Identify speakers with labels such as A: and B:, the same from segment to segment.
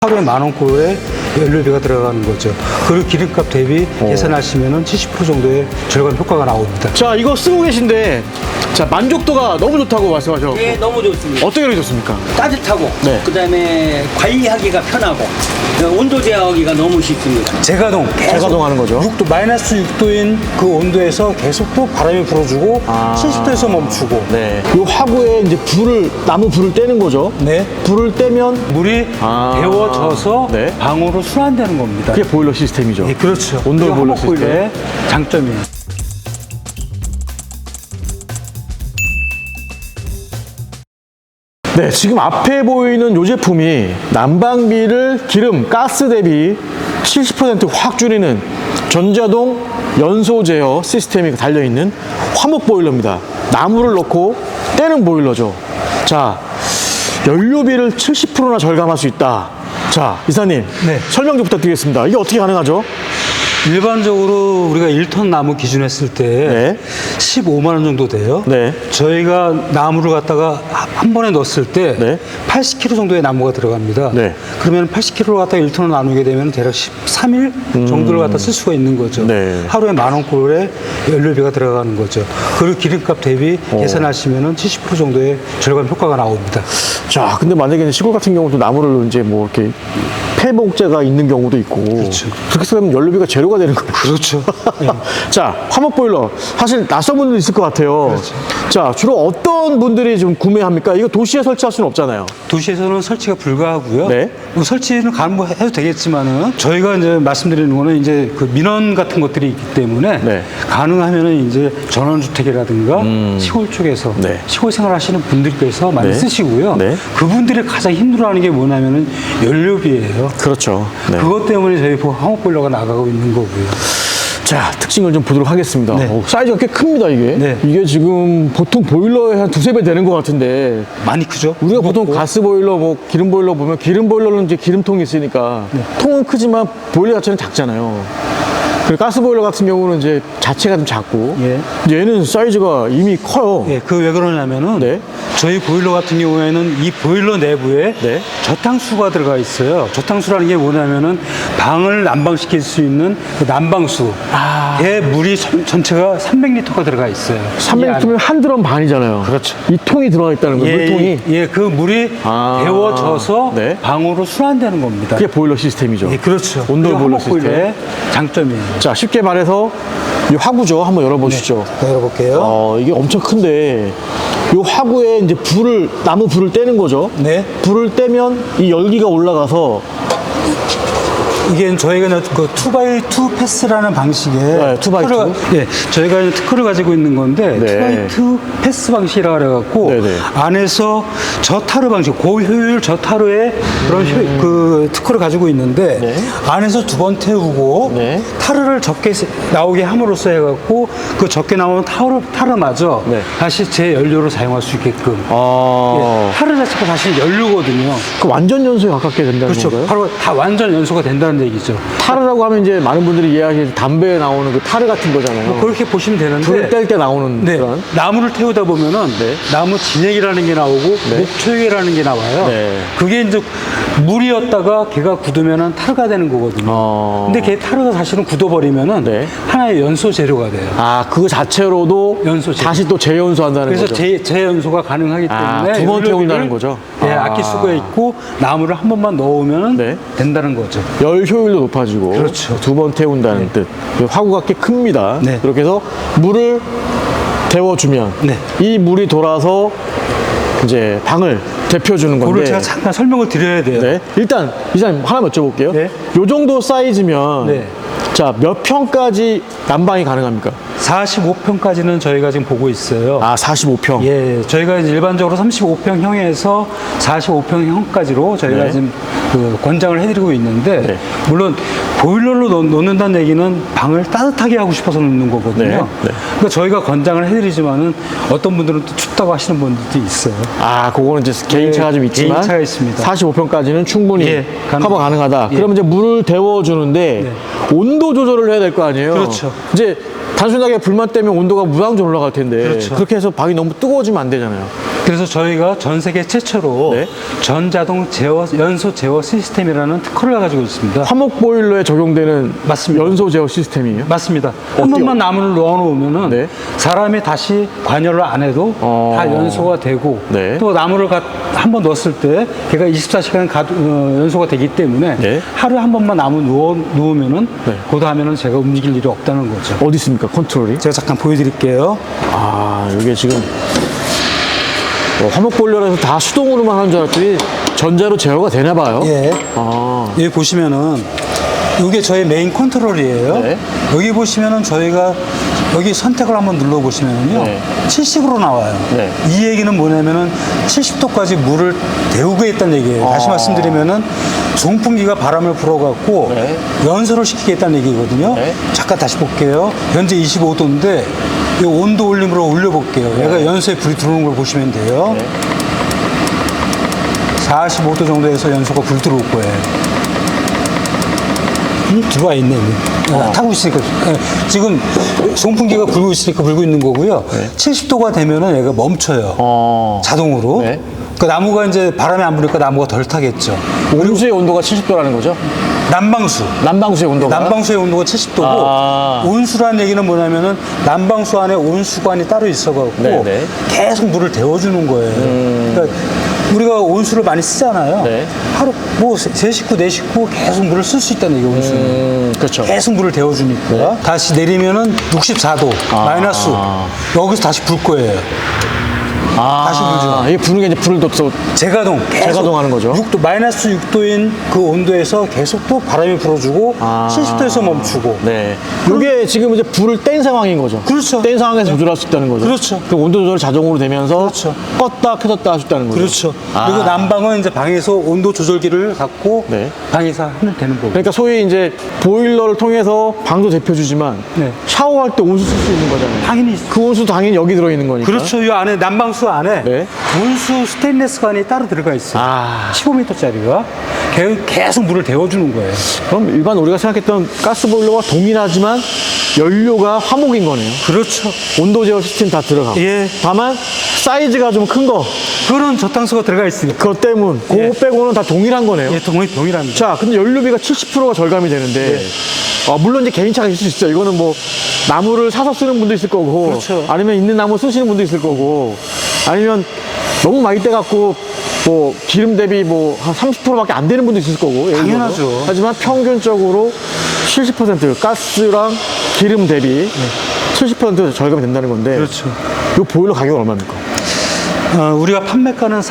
A: 하루에 10,000원꼴의 연료비가 들어가는 거죠. 그리고 기름값 대비 계산하시면 70% 정도의 절감 효과가 나옵니다.
B: 자, 이거 쓰고 계신데, 자, 만족도가 너무 좋다고 말씀하셨고.
C: 예, 너무 좋습니다.
B: 어떻게 그렇게 좋습니까?
C: 따뜻하고,
B: 네.
C: 그다음에 관리하기가 편하고, 온도 제어하기가 너무 쉽습니다.
A: 제가동
B: 제가동 하는 거죠.
A: 6도, 마이너스 6도인 그 온도에서 계속 또 바람이 불어주고 70도에서 멈추고.
B: 네. 이 화구에 이제 나무 불을 떼는 거죠.
A: 네.
B: 불을 떼면
A: 물이 데워져서
B: 네.
A: 방으로 순환되는 겁니다.
B: 그게 보일러 시스템이죠.
A: 예, 그렇죠.
B: 온돌
A: 그게
B: 보일러
A: 화목보일러의 장점이에요.
B: 네, 지금 앞에 보이는 이 제품이 난방비를 기름, 가스 대비 70% 확 줄이는 전자동 연소 제어 시스템이 달려있는 화목 보일러입니다. 나무를 넣고 떼는 보일러죠. 자, 연료비를 70%나 절감할 수 있다. 자, 이사님,
A: 네.
B: 설명 좀 부탁드리겠습니다. 이게 어떻게 가능하죠?
A: 일반적으로 우리가 1톤 나무 기준 했을 때
B: 네.
A: 15만 원 정도 돼요.
B: 네.
A: 저희가 나무를 갖다가 한 번에 넣었을 때
B: 네.
A: 80kg 정도의 나무가 들어갑니다.
B: 네.
A: 그러면 80kg를 갖다가 1톤을 나누게 되면 대략 13일 정도를 갖다 쓸 수가 있는 거죠.
B: 네.
A: 하루에 10,000원꼴의 연료비가 들어가는 거죠. 그리고 기름값 대비 계산하시면 70% 정도의 절감 효과가 나옵니다.
B: 자, 근데 만약에 시골 같은 경우도 나무를 이제 뭐 이렇게 폐목재가 있는 경우도 있고.
A: 그렇죠.
B: 그렇게 쓰면 연료비가 제로가 되는 거예요.
A: 그렇죠.
B: 자, 화목 보일러. 사실 낯선 분들 있을 것 같아요.
A: 그렇죠.
B: 자, 주로 어떤 분들이 좀 구매합니까? 이거 도시에 설치할 수는 없잖아요.
A: 도시에서는 설치가 불가하고요.
B: 네.
A: 뭐 설치는 가능해도 되겠지만은 저희가 이제 말씀드리는 거는 이제 그 민원 같은 것들이 있기 때문에
B: 네.
A: 가능하면은 이제 전원주택이라든가 시골 쪽에서
B: 네.
A: 시골 생활하시는 분들께서 많이
B: 네.
A: 쓰시고요.
B: 네.
A: 그분들이 가장 힘들어하는 게 뭐냐면은 연료비예요.
B: 그렇죠. 네.
A: 그것 때문에 저희 화목보일러가 나가고 있는 거고요.
B: 자, 특징을 좀 보도록 하겠습니다.
A: 네.
B: 사이즈가 꽤 큽니다, 이게.
A: 네.
B: 이게 지금 보통 보일러의 한 두세 배 되는 것 같은데.
A: 많이 크죠?
B: 우리가 보통 가스 보일러, 뭐 기름 보일러 보면 기름 보일러는 이제 기름통이 있으니까 통은 크지만 보일러 자체는 작잖아요. 그리고 가스 보일러 같은 경우는 이제 자체가 좀 작고
A: 예.
B: 얘는 사이즈가 이미 커요.
A: 예, 그 왜 그러냐면은
B: 네.
A: 저희 보일러 같은 경우에는 이 보일러 내부에
B: 네.
A: 저탕수가 들어가 있어요. 저탕수라는 게 뭐냐면은 방을 난방시킬 수 있는 그 난방수. 에 물이 전체가 300리터가 들어가 있어요. 이
B: 300리터면 한 드럼 반이잖아요.
A: 그렇죠.
B: 이 통이 들어가 있다는 거예요, 물통이.
A: 예, 그 물이
B: 아.
A: 데워져서
B: 네.
A: 방으로 순환되는 겁니다.
B: 그게 보일러 시스템이죠.
A: 예, 그렇죠.
B: 온돌 보일러 시스템.
A: 보일러의 장점이에요.
B: 자, 쉽게 말해서 이 화구죠. 한번 열어보시죠.
A: 열어볼게요.
B: 이게 엄청 큰데 이 화구에 이제 나무 불을 떼는 거죠.
A: 네.
B: 불을 떼면 이 열기가 올라가서
A: 이게 저희가 그 2x2 패스라는 방식의
B: 네, 2x2?
A: 예, 저희가 특허를 가지고 있는 건데
B: 네.
A: 2x2 패스 방식이라고 그래갖고
B: 네네.
A: 안에서 저타르 방식, 고효율 저타르의 그런 그 특허를 가지고 있는데
B: 네.
A: 안에서 두 번 태우고
B: 네.
A: 타르를 적게 나오게 함으로써 해갖고 그 적게 나오는 타르마저
B: 네.
A: 다시 재연료로 사용할 수 있게끔.
B: 아,
A: 예, 타르 자체가 사실 연료거든요.
B: 그 완전 연소에 가깝게 된다는
A: 그렇죠.
B: 건가요?
A: 바로 다 완전 연소가 된다는 얘기죠.
B: 타르라고 하면 이제 많은 분들이 이해하기에 담배에 나오는 그 타르 같은 거잖아요.
A: 그렇게 보시면 되는데
B: 불을 뗄 때 나오는
A: 네,
B: 그런.
A: 나무를 태우다 보면은
B: 네.
A: 나무 진액이라는 게 나오고 목초액이라는 게 나와요.
B: 네.
A: 그게 이제 물이었다가 걔가 굳으면은 타르가 되는 거거든요. 근데 걔 타르가 사실은 굳어버리면은
B: 네.
A: 하나의 연소 재료가 돼요.
B: 아, 그거 자체로도
A: 연소 재료.
B: 다시 또 재연소한다는
A: 그래서
B: 거죠.
A: 재연소가 가능하기
B: 아,
A: 때문에
B: 두번
A: 연료비를,
B: 태운다는 거죠?
A: 예,
B: 아.
A: 아낄 수가 있고 나무를 한 번만 넣으면
B: 네.
A: 된다는 거죠.
B: 열 효율도 높아지고
A: 그렇죠.
B: 두 번 태운다는 뜻. 화구가 꽤 큽니다.
A: 네.
B: 그렇게 해서 물을 데워주면
A: 네.
B: 이 물이 돌아서 이제 방을 데펴주는
A: 그걸
B: 건데.
A: 제가 잠깐 설명을 드려야 돼요.
B: 네. 일단 이사님 하나 여쭤볼게요.
A: 네.
B: 요 정도 사이즈면
A: 네.
B: 자, 몇 평까지 난방이 가능합니까?
A: 45평까지는 저희가 지금 보고 있어요.
B: 아, 45평.
A: 예, 저희가 이제 일반적으로 35평형에서 45평형까지로 저희가
B: 네.
A: 지금 그 권장을 해드리고 있는데,
B: 네.
A: 물론 보일러로 놓는다는 얘기는 방을 따뜻하게 하고 싶어서 놓는 거거든요.
B: 네. 네.
A: 그러니까 저희가 권장을 해드리지만은 어떤 분들은 또 춥다고 하시는 분들도 있어요.
B: 아, 그거는 이제 개인차가 좀 있지만
A: 개인차가 있습니다.
B: 45평까지는 충분히
A: 예,
B: 커버 가능하다.
A: 예.
B: 그러면 이제 물을 데워주는데 온도 조절을 해야 될 거 아니에요?
A: 그렇죠.
B: 이제 단순하게 불만 때문에 온도가 무한정 올라갈 텐데
A: 그렇죠.
B: 그렇게 해서 방이 너무 뜨거워지면 안 되잖아요.
A: 그래서 저희가 전 세계 최초로
B: 네.
A: 전자동 제어, 연소 제어 시스템이라는 특허를 가지고 있습니다.
B: 화목 보일러에 적용되는
A: 맞습니다.
B: 연소 제어 시스템이에요?
A: 맞습니다. 한 번만 나무를 넣어놓으면은
B: 네.
A: 사람이 다시 관여를 안 해도 다 연소가 되고
B: 네.
A: 또 나무를 한 번 넣었을 때 걔가 24시간 연소가 되기 때문에
B: 네.
A: 하루에 한 번만 나무 누우면은
B: 네.
A: 그 다음에는 제가 움직일 일이 없다는 거죠.
B: 어디 있습니까, 컨트롤이?
A: 제가 잠깐 보여드릴게요.
B: 아, 이게 지금 화목 보일러라서 다 수동으로만 하는 줄 알았더니 전자로 제어가 되나 봐요.
A: 예.
B: 아,
A: 여기 보시면은 이게 저희 메인 컨트롤이에요.
B: 네.
A: 여기 보시면은 저희가 여기 선택을 한번 눌러보시면은요.
B: 네.
A: 70으로 나와요.
B: 네.
A: 이 얘기는 뭐냐면은 70도까지 물을 데우게 있다는 얘기예요. 다시 말씀드리면은 송풍기가 바람을 불어갖고
B: 네.
A: 연소를 시키겠다는 얘기거든요.
B: 네.
A: 잠깐 다시 볼게요. 현재 25도인데 이 온도 올림으로 올려볼게요. 얘가 연소에 불이 들어오는 걸 보시면 돼요.
B: 네.
A: 45도 정도에서 연소가 불 들어올 거예요. 들어와 있네. 타고 있으니까. 지금 송풍기가 불고 있으니까 불고 있는 거고요. 70도가 되면은 얘가 멈춰요. 자동으로.
B: 네.
A: 그 나무가 이제 바람이 안 부니까 나무가 덜 타겠죠.
B: 온수의 온도가 70도라는 거죠?
A: 난방수.
B: 난방수의 온도가?
A: 난방수의 온도가 70도고
B: 아.
A: 온수라는 얘기는 뭐냐면은 난방수 안에 온수관이 따로 있어갖고
B: 네네.
A: 계속 물을 데워주는 거예요. 그러니까 우리가 온수를 많이 쓰잖아요.
B: 네.
A: 하루 뭐 세 식구 네 식구 계속 물을 쓸 수 있다는 얘기 온수는.
B: 그렇죠.
A: 계속 물을 데워주니까 다시 내리면은 64도 마이너스 여기서 다시 불 거예요. 다시 불죠.
B: 이게 부는 게 이제 불을 또
A: 재가동 계속
B: 재가동하는 거죠.
A: 6도 마이너스 6도인 그 온도에서 계속 또 바람이 불어주고 70도에서 멈추고.
B: 네. 이게 지금 이제 불을 뗀 상황인 거죠.
A: 그렇죠.
B: 뗀 상황에서 조절할 수 있다는 거죠.
A: 그렇죠.
B: 그 온도 조절 자동으로 되면서
A: 그렇죠.
B: 껐다 켜졌다 할 수 있다는 거죠.
A: 그렇죠. 그리고 난방은 이제 방에서 온도 조절기를 갖고
B: 네.
A: 방에서 하면 되는 거고.
B: 그러니까 소위 이제 보일러를 통해서 방도 대표주지만
A: 네.
B: 샤워할 때 온수 쓸 수 있는 거잖아요.
A: 당연히
B: 그 온수 당연히 여기 들어있는 거니까.
A: 그렇죠. 이 안에 난방수 안에
B: 네.
A: 온수 스테인레스관이 따로 들어가 있어요. 15m짜리가 계속 물을 데워주는 거예요.
B: 그럼 일반 우리가 생각했던 가스보일러와 동일하지만 연료가 화목인 거네요.
A: 그렇죠.
B: 온도 제어 시스템 다 들어가고.
A: 예.
B: 다만 사이즈가 좀 큰 거.
A: 그런 저탄수가 들어가 있으니까.
B: 그것 때문. 그거
A: 예.
B: 빼고는 다 동일한 거네요.
A: 예, 동일합니다.
B: 자, 근데 연료비가 70%가 절감이 되는데, 물론 이제 개인차가 있을 수 있어요. 이거는 뭐, 나무를 사서 쓰는 분도 있을 거고,
A: 그렇죠.
B: 아니면 있는 나무 쓰시는 분도 있을 거고, 아니면 너무 많이 떼갖고, 뭐, 기름 대비 뭐, 한 30%밖에 안 되는 분도 있을 거고. 예를
A: 당연하죠.
B: 들어서. 하지만 평균적으로 70% 가스랑 기름 대비 70% 절감이 된다는 건데,
A: 그렇죠.
B: 이 보일러 가격은 얼마입니까?
A: 우리가 판매가는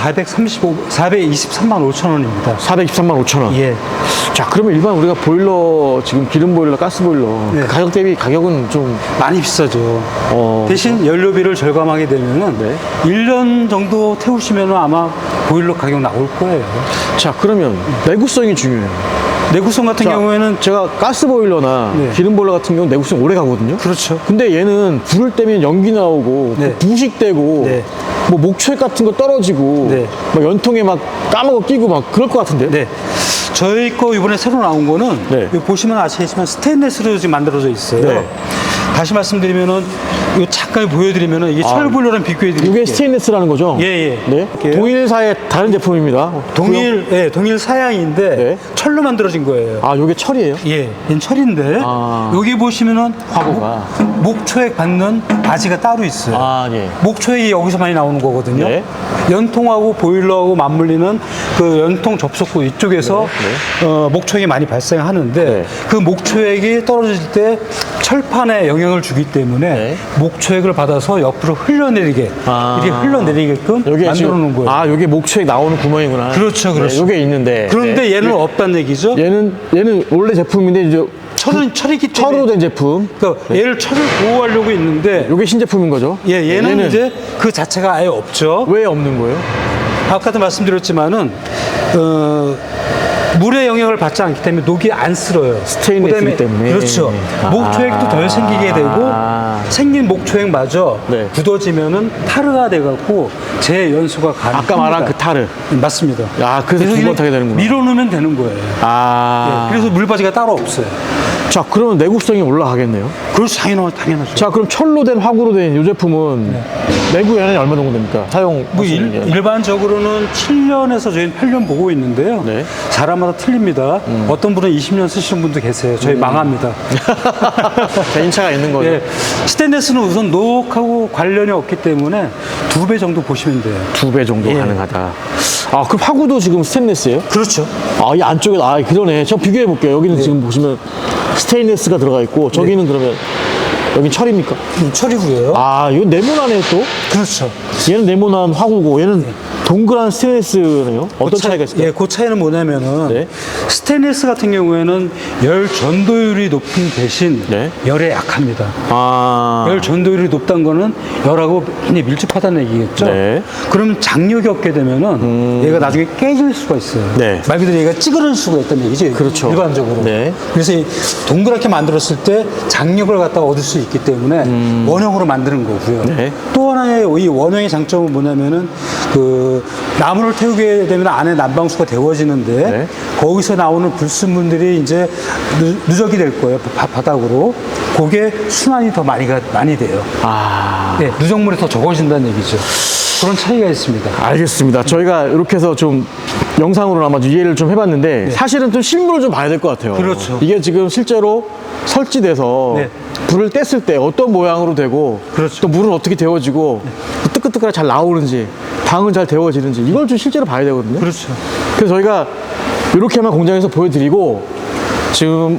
A: 423만 5천 원입니다.
B: 423만 5천 원.
A: 예.
B: 자, 그러면 일반 우리가 보일러, 지금 기름 보일러, 가스 보일러,
A: 네.
B: 그 가격 대비 가격은 좀,
A: 많이 비싸죠. 대신 연료비를 절감하게 되면은
B: 네.
A: 1년 정도 태우시면 아마 보일러 가격 나올 거예요.
B: 자, 그러면 내구성이 중요해요.
A: 내구성 같은
B: 자,
A: 경우에는
B: 제가 가스 보일러나
A: 네.
B: 기름 보일러 같은 경우는 내구성 오래 가거든요.
A: 그렇죠.
B: 근데 얘는 불을 떼면 연기 나오고,
A: 네.
B: 부식되고,
A: 네.
B: 뭐 목초액 같은 거 떨어지고,
A: 네.
B: 막 연통에 막 까먹어 끼고 막 그럴 것 같은데요.
A: 네. 저희 거 이번에 새로 나온 거는
B: 네.
A: 여기 보시면 아시겠지만 스테인레스로 지금 만들어져 있어요.
B: 네.
A: 다시 말씀드리면은 이거 잠깐 보여드리면은 이게 철 보일러랑 비교해 드릴게요.
B: 이게 스테인리스라는 거죠?
A: 예, 예.
B: 네.
A: 이렇게요.
B: 동일사의 다른 제품입니다.
A: 동일 사양인데
B: 네.
A: 철로 만들어진 거예요.
B: 아, 요게 철이에요?
A: 예, 얘는 철인데
B: 아.
A: 여기 보시면은
B: 화보가.
A: 목초액 받는 바지가 따로 있어요.
B: 아, 예.
A: 목초액이 여기서 많이 나오는 거거든요.
B: 네.
A: 연통하고 보일러하고 맞물리는 그 연통 접속구 이쪽에서 목초액이 많이 발생하는데
B: 네.
A: 그 목초액이 떨어질 때 철판에 영향을 주기 때문에
B: 네.
A: 목초액을 받아서 옆으로 흘러내리게 이렇게 흘러내리게끔
B: 여기
A: 만들어 놓은 거예요.
B: 아, 요게 목초액 나오는 구멍이구나.
A: 그렇죠, 그렇죠.
B: 네, 요게 있는데.
A: 그런데
B: 네.
A: 얘는 없다는 얘기죠.
B: 얘는 원래 제품인데 이제
A: 철이기 때문에
B: 철로 된 제품.
A: 그러니까 얘를 철을 보호하려고 있는데
B: 요게 신제품인 거죠?
A: 얘는 이제 그 자체가 아예 없죠.
B: 왜 없는 거예요?
A: 아까도 말씀드렸지만은 물의 영향을 받지 않기 때문에 녹이 안 쓸어요.
B: 스테인리스이기 때문에.
A: 그렇죠. 목초액도 덜 생기게 되고 생긴 목초액마저
B: 네.
A: 굳어지면은 타르가 돼갖고 재연소가 가능합니다.
B: 아까 말한 그 타르.
A: 맞습니다.
B: 아, 그래서 두 번 타게 되는구나.
A: 밀어넣으면 되는 거예요.
B: 아.
A: 예, 그래서 물바지가 따로 없어요.
B: 자, 그러면 내구성이 올라가겠네요.
A: 그렇죠. 당연하죠.
B: 자, 그럼 철로 된 화구로 된 이 제품은 내구 연한이 얼마 정도 됩니까? 사용
A: 뭐 일반적으로는 7년에서 저희는 8년 보고 있는데요.
B: 네.
A: 사람마다 틀립니다. 어떤 분은 20년 쓰시는 분도 계세요. 저희 망합니다.
B: 개인차가 있는 거죠.
A: 예, 스테인레스는 우선 녹하고 관련이 없기 때문에 2배 정도 보시면 돼요.
B: 2배 정도
A: 예.
B: 가능하다. 아, 그럼 화구도 지금 스테인레스예요?
A: 그렇죠.
B: 아, 이 안쪽에, 아, 그러네. 저 비교해 볼게요. 여기는 지금 보시면 스테인레스가 들어가 있고, 저기는 그러면, 여긴 철입니까?
A: 철이고요.
B: 아, 이거 네모나네 또?
A: 그렇죠.
B: 얘는 네모난 화구고, 얘는 동그란 스테인레스네요. 어떤 차이가 있을까요?
A: 예, 그 차이는 뭐냐면은
B: 네.
A: 스테인리스 같은 경우에는 열 전도율이 높은 대신
B: 네.
A: 열에 약합니다.
B: 아,
A: 열 전도율이 높다는 거는 열하고 굉장히 밀접하다는 얘기겠죠.
B: 네.
A: 그럼 장력이 없게 되면은 얘가 나중에 깨질 수가 있어요.
B: 네.
A: 말 그대로 얘가 찌그러질 수가 있다는 얘기죠.
B: 그렇죠.
A: 일반적으로.
B: 네.
A: 그래서 이 동그랗게 만들었을 때 장력을 갖다가 얻을 수 있기 때문에 원형으로 만드는 거고요.
B: 네.
A: 또 하나의 이 원형의 장점은 뭐냐면은 그 나무를 태우게 되면 안에 난방수가 데워지는데
B: 네.
A: 거기서 나오는 불순물들이 이제 누적이 될 거예요. 바닥으로. 그게 순환이 더 많이 돼요.
B: 아.
A: 네, 누적물이 더 적어진다는 얘기죠. 그런 차이가 있습니다.
B: 알겠습니다. 저희가 이렇게 해서 좀 영상으로 아마 이해를 좀 해봤는데 사실은 좀 실물을 좀 봐야 될 것 같아요.
A: 그렇죠.
B: 이게 지금 실제로 설치돼서
A: 네.
B: 불을 뗐을 때 어떤 모양으로 되고
A: 그렇죠.
B: 또 물은 어떻게 데워지고 뜨끈뜨끈하게 잘 나오는지 방은 잘 데워지는지 이걸 좀 실제로 봐야 되거든요.
A: 그렇죠.
B: 그래서 저희가 이렇게만 공장에서 보여드리고 지금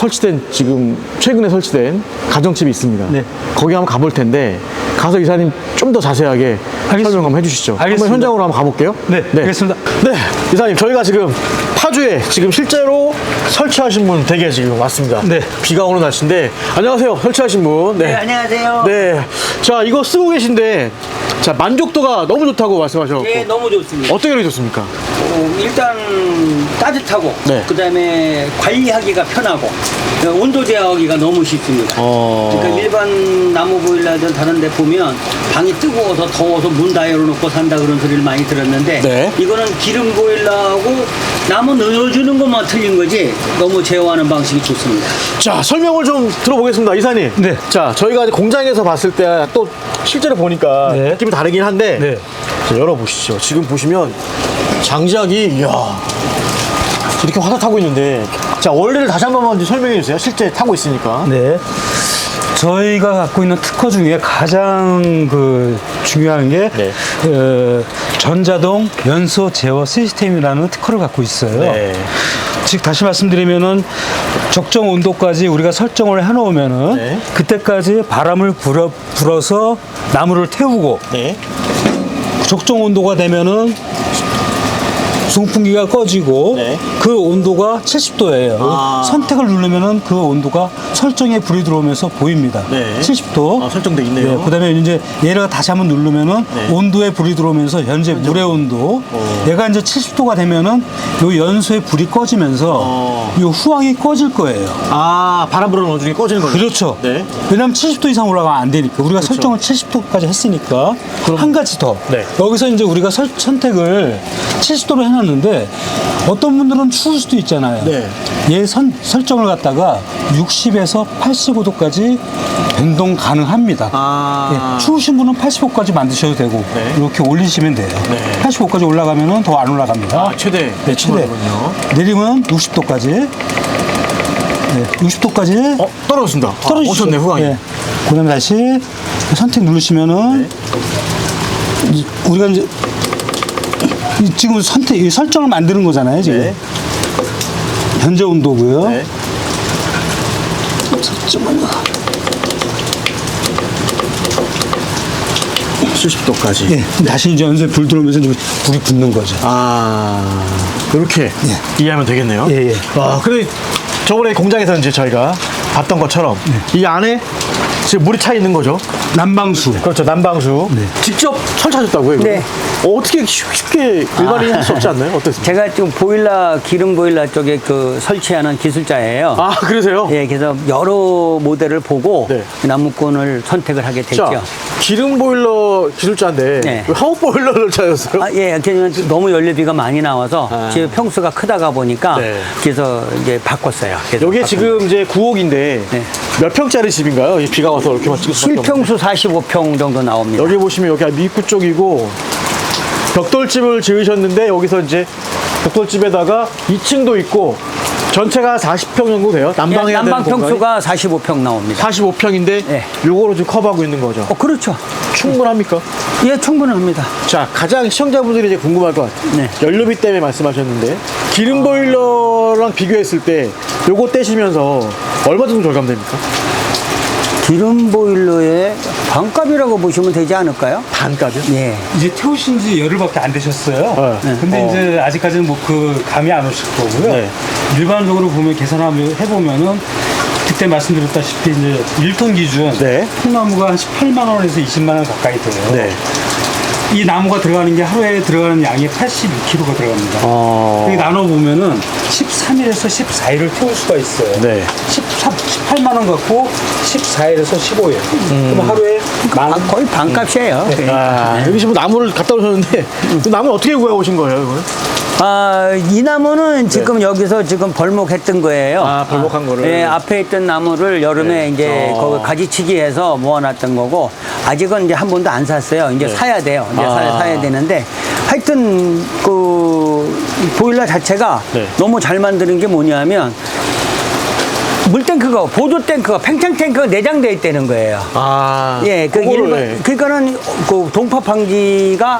B: 지금 최근에 설치된 가정집이 있습니다.
A: 네.
B: 거기 한번 가볼 텐데 가서 이사님 좀 더 자세하게 설명 한번 해주시죠.
A: 알겠습니다.
B: 한번 현장으로 한번 가볼게요.
A: 네, 알겠습니다.
B: 네, 이사님 저희가 지금 파주에 지금 실제로 설치하신 분 댁에 지금 왔습니다.
A: 네.
B: 비가 오는 날씨인데 안녕하세요. 설치하신 분.
C: 네, 안녕하세요.
B: 네. 자, 이거 쓰고 계신데 자, 만족도가 너무 좋다고 말씀하셨고
C: 예, 너무 좋습니다.
B: 어떻게 그렇게 좋습니까?
C: 일단 따뜻하고
B: 네.
C: 그다음에 관리하기가 편하고 온도 제어하기가 너무 쉽습니다. 그러니까 일반 나무 보일러든 다른 데 보면 방이 뜨거워서 더워서 문 다 열어놓고 산다 그런 소리를 많이 들었는데
B: 네.
C: 이거는 기름 보일러하고 나무 넣어주는 것만 틀린 거지 너무 제어하는 방식이 좋습니다.
B: 자, 설명을 좀 들어보겠습니다. 이사님.
A: 네.
B: 자, 저희가 공장에서 봤을 때 또 실제로 보니까
A: 네.
B: 느낌이 다르긴 한데
A: 네.
B: 자, 열어보시죠. 지금 보시면 장작이 이야 이렇게 화살 타고 있는데 자, 원리를 다시 한 번만 좀 설명해 주세요. 실제 타고 있으니까.
A: 네. 저희가 갖고 있는 특허 중에 가장 중요한 게
B: 네.
A: 전자동 연소 제어 시스템이라는 특허를 갖고 있어요.
B: 네.
A: 즉 다시 말씀드리면은 적정 온도까지 우리가 설정을 해놓으면은
B: 네.
A: 그때까지 바람을 불어서 나무를 태우고
B: 네.
A: 적정 온도가 되면은 송풍기가 꺼지고
B: 네.
A: 그 온도가 70도예요.
B: 아.
A: 선택을 누르면은 그 온도가 설정에 불이 들어오면서 보입니다.
B: 네.
A: 70도.
B: 아, 설정돼 있네요.
A: 그다음에 이제 얘가 다시 한번 누르면은
B: 네.
A: 온도에 불이 들어오면서 현재 물의 온도. 얘가 이제 70도가 되면은 요 연소에 불이 꺼지면서 요 후황이 꺼질 거예요.
B: 아, 바람 불어넣어 주는 게 꺼지는 거죠.
A: 그렇죠.
B: 네.
A: 왜냐하면 70도 이상 올라가면 안 되니까 우리가 설정을 70도까지 했으니까 한 가지 더
B: 네.
A: 여기서 이제 우리가 선택을 70도로 해놨는데 어떤 분들은 추울 수도 있잖아요.
B: 네.
A: 얘 설정을 갖다가 60에서 85도까지 변동 가능합니다.
B: 아.
A: 예, 추우신 분은 85까지 만드셔도 되고
B: 네.
A: 이렇게 올리시면 돼요.
B: 네.
A: 85까지 올라가면은 더 안 올라갑니다.
B: 아, 최대.
A: 네, 최대.
B: 거군요.
A: 내리면 60도까지. 네, 60도까지.
B: 떨어졌습니다.
A: 떨어지죠.
B: 오셨네, 후광이.
A: 예. 그다음에 다시 선택 누르시면은 우리가 이제 지금 이 설정을 만드는 거잖아요, 지금.
B: 네.
A: 현재 온도고요.
B: 네.
A: 잠깐만요.
B: 70도까지.
A: 예. 다시 이제 연소에 불 들어오면서 이제 불이 붙는 거죠.
B: 아, 이렇게 이해하면 되겠네요.
A: 예, 예.
B: 와, 근데 저번에 공장에서 이제 저희가 봤던 것처럼 이 안에 지금 물이 차 있는 거죠?
A: 난방수.
B: 그렇죠. 난방수. 직접 설치하셨다고요? 이거?
C: 네.
B: 어떻게 쉽게 일반인이 할 수 없지 않나요? 어땠습니까?
C: 제가 지금 보일러, 기름 보일러 쪽에 그 설치하는 기술자예요.
B: 아, 그러세요?
C: 예, 그래서 여러 모델을 보고
B: 네.
C: 나무꾼을 선택을 하게 됐죠.
B: 자, 기름 보일러 기술자인데
C: 네.
B: 왜 화목 보일러를 찾았어요?
C: 아, 예, 그냥 너무 연료비가 많이 나와서 집 평수가 크다가 보니까
B: 네.
C: 그래서 이제 바꿨어요. 그래서
B: 여기
C: 바꾼
B: 지금 이제 9억인데
C: 네.
B: 몇 평짜리 집인가요? 이 비가 와서 이렇게만 찍을 수밖에 없는.
C: 실평수 45평 정도 나옵니다.
B: 여기 보시면 여기 입구 쪽이고 벽돌집을 지으셨는데 여기서 이제 벽돌집에다가 2층도 있고 전체가 40평 정도 돼요. 난방해야 되는
C: 난방
B: 공간이.
C: 평수가 45평 나옵니다.
B: 45평인데
C: 네.
B: 요거로 지금 커버하고 있는 거죠.
C: 그렇죠.
B: 충분합니까?
C: 예, 충분합니다.
B: 자, 가장 시청자분들이 이제 궁금할 것 같아요.
C: 네.
B: 연료비 때문에 말씀하셨는데 기름 보일러랑 비교했을 때 요거 떼시면서 얼마 정도 절감됩니까?
C: 기름 보일러의 반값이라고 보시면 되지 않을까요?
B: 반값이요?
C: 예.
A: 이제 태우신 지 열흘밖에 안 되셨어요.
B: 네.
A: 근데 이제 아직까지는 뭐 그 감이 안 오실 거고요.
B: 네.
A: 일반적으로 보면 계산하면 해보면은 그때 말씀드렸다시피 이제 1톤 기준
B: 네.
A: 통나무가 한 18만 원에서 20만 원 가까이 돼요.
B: 네.
A: 이 나무가 들어가는 게 하루에 들어가는 양이 82kg가 들어갑니다.
B: 어.
A: 여기 나눠보면은 13일에서 14일을 태울 수가 있어요.
B: 네.
A: 18만 원 갖고 14일에서 15일. 그럼 하루에
C: 거의 반값이에요. 예.
B: 아, 여기 지금 나무를 갖다 오셨는데 그 나무는 어떻게 구해 오신 거예요, 이거는?
C: 이 나무는 지금 여기서 지금 벌목했던 거예요.
B: 아, 벌목한 거를?
C: 예, 앞에 있던 나무를 여름에 이제 거기 가지치기 해서 모아놨던 거고, 아직은 이제 한 번도 안 샀어요. 이제 사야 돼요. 이제 사야 되는데, 하여튼, 보일러 자체가
B: 네.
C: 너무 잘 만드는 게 뭐냐면, 물탱크가, 보조탱크가, 팽창탱크가 내장되어 있다는 거예요.
B: 아.
C: 예,
B: 그거를,
C: 그러니까는 그 동파 방지가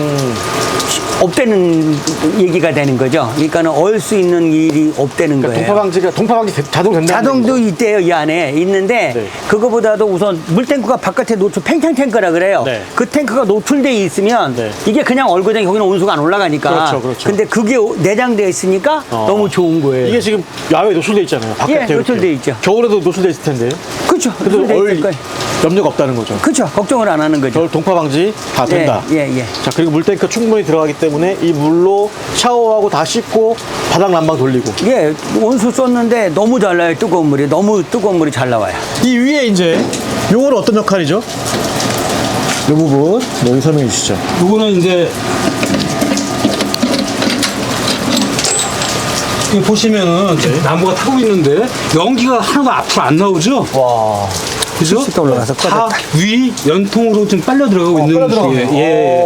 C: 없다는 얘기가 되는 거죠. 그러니까는 얼 수 있는 일이 없다는 거예요.
B: 동파 방지 자동 된다.
C: 자동도 있대요, 이 안에 있는데
B: 네.
C: 그거보다도 우선 물탱크가 바깥에 노출 팽창 탱크라 그래요.
B: 네.
C: 그 탱크가 노출돼 있으면
B: 네.
C: 이게 그냥 얼굴에 거기는 온수가 안 올라가니까.
B: 그렇죠, 그렇죠.
C: 근데 그게 내장되어 있으니까 너무 좋은 거예요.
B: 이게 지금 야외에 노출돼 있잖아요. 바깥에
C: 예,
B: 이렇게.
C: 노출돼 있죠.
B: 겨울에도 노출돼 있을 텐데요.
C: 그렇죠.
B: 그래도
C: 노출돼
B: 얼
C: 있을 거예요.
B: 염려가 없다는 거죠.
C: 그렇죠. 걱정을 안 하는 거죠.
B: 겨울 동파 방지 다 된다.
C: 예, 예.
B: 자, 그리고 물탱크 충분히 들어가기 때문에 이 물로 샤워하고 다 씻고 바닥 난방 돌리고.
C: 예, 온수 썼는데 너무 잘 나요. 뜨거운 물이. 너무 뜨거운 물이 잘 나와요.
B: 이 위에 이제 요거는 어떤 역할이죠? 이 부분 여기 설명해 주시죠.
A: 요거는 이제 이거 보시면은 지금 나무가 타고 있는데 연기가 하나도 앞으로 안 나오죠?
B: 와.
A: 그죠?
C: 실시간 올라가서
A: 다 위 연통으로 좀 빨려 들어가고 있는 중이에요. 예.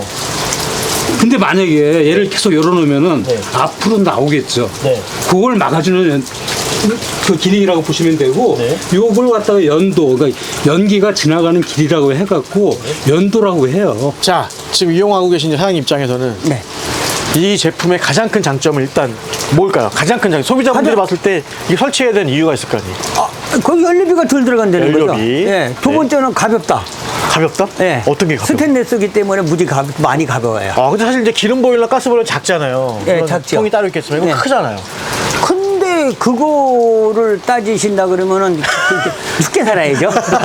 A: 근데 만약에 얘를 계속 열어놓으면은
B: 네.
A: 앞으로 나오겠죠.
B: 네.
A: 그걸 막아주는 그 기능이라고 보시면 되고,
B: 네.
A: 요걸 갖다가 연도, 그러니까 연기가 지나가는 길이라고 해갖고 연도라고 해요.
B: 자, 지금 이용하고 계신 사장님 입장에서는
C: 네.
B: 이 제품의 가장 큰 장점은 일단 뭘까요? 가장 큰 장점. 소비자분들이 봤을 때 이게 설치해야 되는 이유가 있을 거 아니에요?
C: 거기 연료비가 덜 들어간다는 거죠.
B: 연료비.
C: 예. 두
B: 네.
C: 번째는 가볍다.
B: 가볍다?
C: 예.
B: 어떤 게 가볍다?
C: 스테인레스기 때문에 무지 많이 가벼워요.
B: 아, 근데 사실 이제 기름 보일러, 가스 보일러 작잖아요.
C: 예,
B: 그런
C: 작죠.
B: 통이 따로 있겠지만 이거
C: 네.
B: 크잖아요.
C: 근데 그거를 따지신다 그러면은 죽게 살아야죠.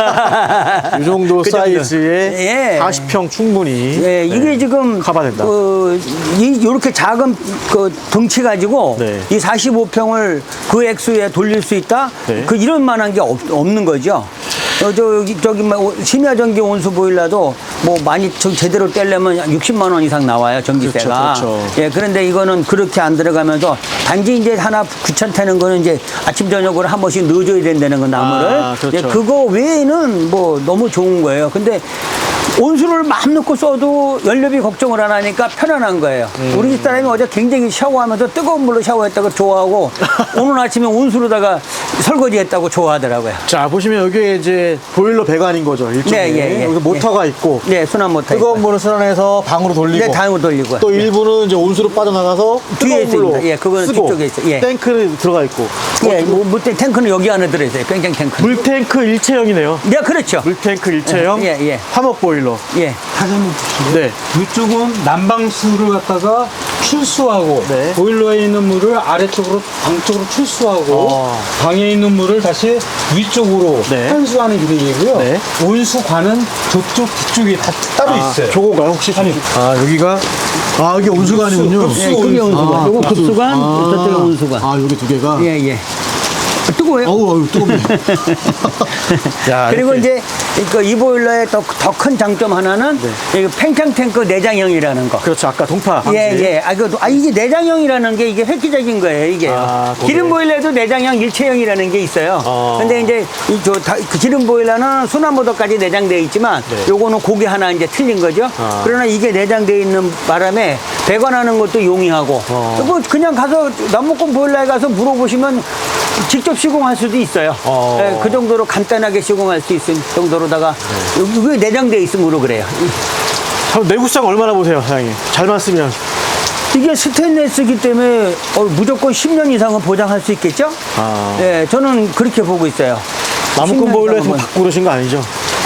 B: 이 정도
C: 그 정도.
B: 사이즈에
C: 예.
B: 40평 충분히
C: 예, 이게
B: 네,
C: 지금
B: 커버된다.
C: 이렇게 작은 그 덩치 가지고
B: 네.
C: 이 45평을 그 액수에 돌릴 수 있다.
B: 네.
C: 그 이런 만한 게 없는 거죠. 저기 심야 전기 온수 보일러도 뭐 많이 제대로 떼려면 60만 원 이상 나와요, 전기세가.
B: 그렇죠.
C: 예, 그런데 이거는 그렇게 안 들어가면서 단지 이제 하나 귀찮다는 거는 이제 아침 저녁으로 한 번씩 넣어줘야 된다는 거 나무를.
B: 아, 그렇죠.
C: 예, 그거 외에는 뭐 너무 좋은 거예요. 근데 온수를 마음 놓고 써도 연료비 걱정을 안 하니까 편안한 거예요. 우리 집사람이 어제 굉장히 샤워하면서 뜨거운 물로 샤워했다고 좋아하고 오늘 아침에 온수로다가 설거지했다고 좋아하더라고요.
B: 자, 보시면 여기에 이제 보일러 배관인 거죠. 일종의.
C: 네, 예, 예.
B: 여기 모터가 있고
C: 네, 순환 모터.
B: 뜨거운 물을 순환해서 방으로 돌리고
C: 네, 방으로 돌리고.
B: 또 일부는 이제 온수로 빠져나가서
C: 뒤에
B: 뜨거운 물로
C: 있습니다. 예, 그거는
B: 쓰고
C: 뒤쪽에 있어요. 예.
B: 탱크는 들어가 있고
C: 예, 탱크는 여기 안에 들어있어요. 뺑뺑 탱크.
B: 물탱크 일체형이네요.
C: 네, 그렇죠.
B: 물탱크 일체형
C: 예, 예.
B: 화목 보일러.
C: 예.
A: 다시 한번 보시면
B: 네.
A: 이쪽은 난방수를 갖다가 출수하고
B: 네.
A: 보일러에 있는 물을 아래쪽으로 방 쪽으로 출수하고 방에 있는 물을 다시 위쪽으로
B: 네.
A: 환수하는 기능이고요.
B: 네.
A: 온수관은 저쪽 뒤쪽에 다 따로 있어요.
B: 저거가요 혹시? 여기가 여기 온수관이군요.
A: 급수
C: 예, 그게 온수관. 요거 급수관, 저쪽에 온수관.
B: 여기 두 개가.
C: 예, 예. 뜨거워요.
B: 어우 뜨겁네. 야,
C: 그리고
B: 이렇게.
C: 이제 이 보일러의 더 큰 장점 하나는 이 팽창 탱크 내장형이라는 거.
B: 그렇죠. 아까 동파. 방지.
C: 예, 예. 이게 내장형이라는 게 이게 획기적인 거예요, 이게.
B: 거기.
C: 기름 보일러에도 내장형 일체형이라는 게 있어요. 근데 이제 그 기름 보일러는 순환모드까지 내장되어 있지만 요거는 고개 하나 이제 틀린 거죠. 그러나 이게 내장되어 있는 바람에 배관하는 것도 용이하고 뭐 그냥 가서 남목공 보일러에 가서 물어보시면 직접 시공할 수도 있어요. 예, 그 정도로 간단하게 시공할 수 있을 정도로다가 이게 내장되어 있으므로 그래요.
B: 내구성 얼마나 보세요, 사장님? 잘만 쓰면.
C: 이게 스테인레스기 때문에 무조건 10년 이상은 보장할 수 있겠죠? 예, 저는 그렇게 보고 있어요.
B: 나무꾼
C: 10년
B: 보일러에서
C: 이상은
B: 바꾸고 그러신 거 아니죠?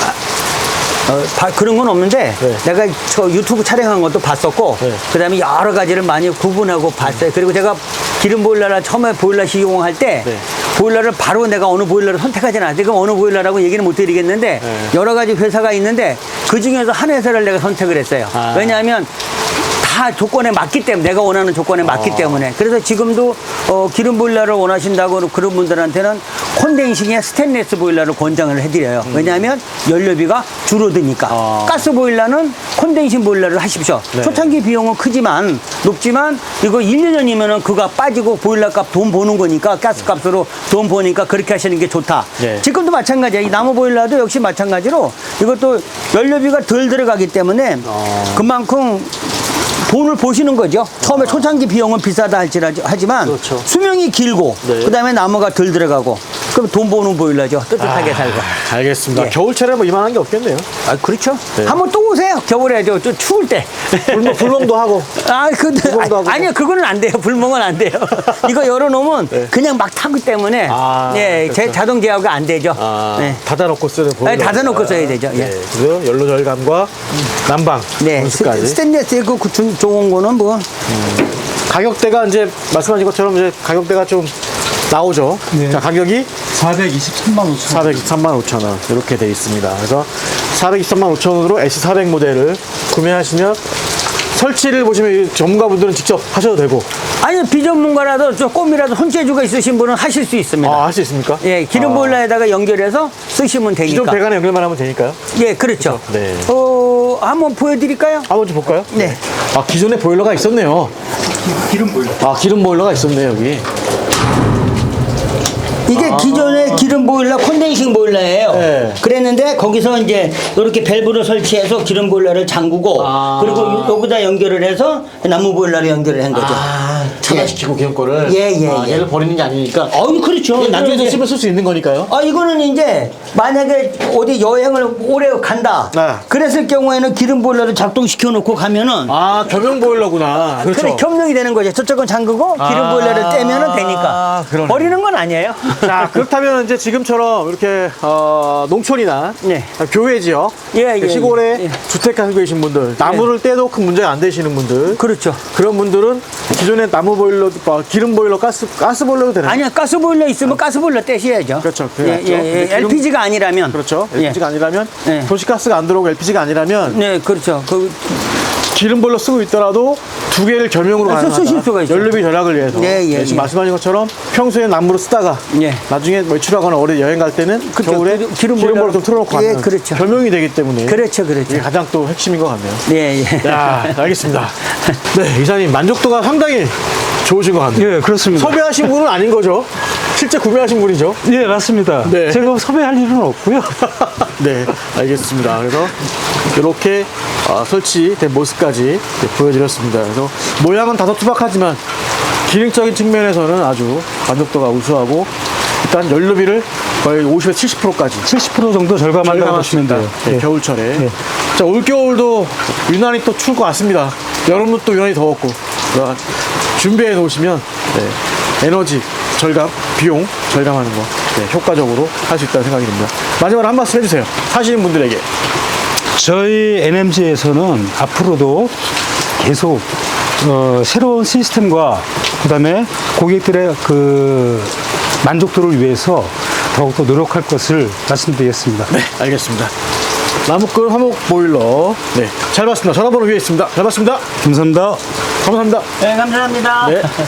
C: 그런 건 없는데
B: 네.
C: 내가 저 유튜브 촬영한 것도 봤었고
B: 네.
C: 그다음에 여러 가지를 많이 구분하고 봤어요. 그리고 제가 기름 보일러를 처음에 보일러 시공할 때
B: 네.
C: 보일러를 바로 내가 어느 보일러를 선택하지는 않았어요. 그럼 어느 보일러라고 얘기는 못 드리겠는데 여러 가지 회사가 있는데 그 중에서 한 회사를 내가 선택을 했어요. 왜냐하면 다 조건에 맞기 때문에 내가 원하는 조건에 맞기 때문에 그래서 지금도 기름 보일러를 원하신다고 그런 분들한테는 콘덴싱의 스테인리스 보일러를 권장을 해드려요. 왜냐하면 연료비가 줄어드니까. 가스 보일러는 콘덴싱 보일러를 하십시오. 초창기 비용은 크지만 높지만 이거 1, 2년이면은 그가 빠지고 보일러 값 돈 버는 거니까 가스 값으로 돈 버니까 그렇게 하시는 게 좋다.
B: 네.
C: 지금도 마찬가지야. 이 나무 보일러도 역시 마찬가지로 이것도 연료비가 덜 들어가기 때문에 그만큼 돈을 보시는 거죠. 처음에 초창기 비용은 비싸다 하지만
B: 그렇죠.
C: 수명이 길고
B: 네.
C: 그다음에 나무가 덜 들어가고 그럼 돈 버는 보일러죠. 뜨뜻하게 살고.
B: 알겠습니다.
C: 예.
B: 겨울철에 뭐 이만한 게 없겠네요.
C: 그렇죠.
B: 네.
C: 한번 또 오세요. 겨울에 좀 추울 때.
B: 불멍도 하고. 불멍도 하고.
C: 아니요, 그거는 안 돼요. 불멍은 안 돼요. 이거 열어놓으면 그냥 막 타기 때문에 예,
B: 그렇죠.
C: 자동 제어가 안 되죠. 네.
B: 닫아놓고 쓰는 보일러.
C: 네, 닫아놓고 써야 되죠. 예.
B: 네. 그래서 연료 절감과 난방
C: 네,
B: 온수까지.
C: 스테인리스 그 좋은 거는 뭐
B: 가격대가 이제 말씀하신 것처럼 이제 가격대가 좀 나오죠.
A: 네.
B: 자, 가격이
A: 423만 5천
B: 423만 5천 원 이렇게 돼 있습니다. 그래서 423만 5천 원으로 S400 모델을 구매하시면 설치를 보시면 이 전문가분들은 직접 하셔도 되고.
C: 아니 비전문가라도 조금이라도 손재주가 있으신 분은 하실 수 있습니다.
B: 할 수 있습니까?
C: 예, 기름 보일러에다가 연결해서 쓰시면
B: 기존
C: 되니까.
B: 배관에 연결만 하면 되니까요.
C: 예, 그렇죠.
B: 네.
C: 한번 보여드릴까요?
B: 한번 좀 볼까요?
C: 네.
B: 기존에 보일러가 있었네요.
A: 기름 보일러.
B: 기름 보일러가 있었네요, 여기.
C: 이게 기존의 기름 보일러 콘덴싱 보일러예요.
B: 네.
C: 그랬는데 거기서 이제 이렇게 밸브를 설치해서 기름 보일러를 잠그고 그리고 여기다 연결을 해서 나무 보일러를 연결을 한 거죠.
B: 차단시키고 기존 거를.
C: 예.
B: 얘를 버리는 게 아니니까.
C: 그렇죠.
B: 나중에
C: 이제-
B: 쓰면 쓸 수 있는 거니까요.
C: 이거는 이제 만약에 어디 여행을 오래 간다.
B: 네.
C: 그랬을 경우에는 기름 보일러를 작동시켜 놓고 가면은
B: 겸용 보일러구나. 그렇죠.
C: 그래 겸용이 되는 거죠. 저쪽은 잠그고 기름 보일러를 떼면은 되니까.
B: 그러네.
C: 버리는 건 아니에요.
B: 자, 그렇다면 이제 지금처럼 이렇게 농촌이나
C: 네.
B: 교외 지역,
C: 예,
B: 시골에
C: 예.
B: 주택 가지고 계신 분들, 나무를 떼도 큰 문제가 안 되시는 분들,
C: 그렇죠.
B: 그런 분들은 기존의 나무 보일러, 기름 보일러, 가스 보일러도 되나요?
C: 아니야, 가스 보일러 있으면 가스 보일러 떼셔야죠.
B: 그렇죠.
C: 예,
B: 그래야죠.
C: 예,
B: 근데
C: 예.
B: 지금-
C: LPG가 아니라면.
B: 그렇죠.
C: 예.
B: LPG가 아니라면
C: 예.
B: 도시가스가 안 들어오고 LPG가 아니라면
C: 네, 그렇죠.
B: 기름 보일러 쓰고 있더라도 두 개를 겸용으로
C: 그래서
B: 가능하다.
C: 쓰실 수가 있죠.
B: 연료비 절약을 위해서.
C: 예, 예,
B: 지금
C: 예.
B: 말씀하신 것처럼 평소에 나무로 쓰다가
C: 예.
B: 나중에 외출하거나 어디 여행 갈 때는
C: 그렇죠.
B: 겨울에
C: 기름
B: 기름 보일러
C: 보일러
B: 좀 틀어놓고
C: 예,
B: 가면
C: 그렇죠.
B: 겸용이 되기 때문에
C: 그렇죠, 그렇죠.
B: 이게 가장 또 핵심인 것 같네요.
C: 예, 예.
B: 야, 알겠습니다. 네, 이사님 만족도가 상당히 좋으신 것 같네요.
A: 예, 그렇습니다.
B: 섭외하신 분은 아닌 거죠? 실제 구매하신 분이죠?
A: 예, 맞습니다.
B: 네.
A: 제가 섭외할 일은 없고요.
B: 네, 알겠습니다. 그래서 이렇게 설치된 모습까지 이렇게 보여드렸습니다. 그래서 모양은 다소 투박하지만 기능적인 측면에서는 아주 만족도가 우수하고 일단 연료비를 거의 50에서 70%까지
A: 70% 정도 절감한다고 보시면 돼요.
B: 네,
A: 예.
B: 겨울철에.
A: 예.
B: 자, 올겨울도 유난히 또 추울 것 같습니다. 여름은 또 유난히 더웠고. 그러니까 준비해 놓으시면 에너지 절감, 비용 절감하는 거 효과적으로 할 수 있다는 생각이 듭니다. 마지막으로 한 말씀 해주세요. 사시는 분들에게.
A: 저희 NMG에서는 앞으로도 계속 새로운 시스템과 그다음에 고객들의 그 만족도를 위해서 더욱더 노력할 것을 말씀드리겠습니다.
B: 네, 알겠습니다. 나무꾼 화목 보일러. 네, 잘 봤습니다. 전화번호 위에 있습니다. 잘 봤습니다.
A: 감사합니다.
B: 감사합니다.
C: 네, 감사합니다.
B: 네.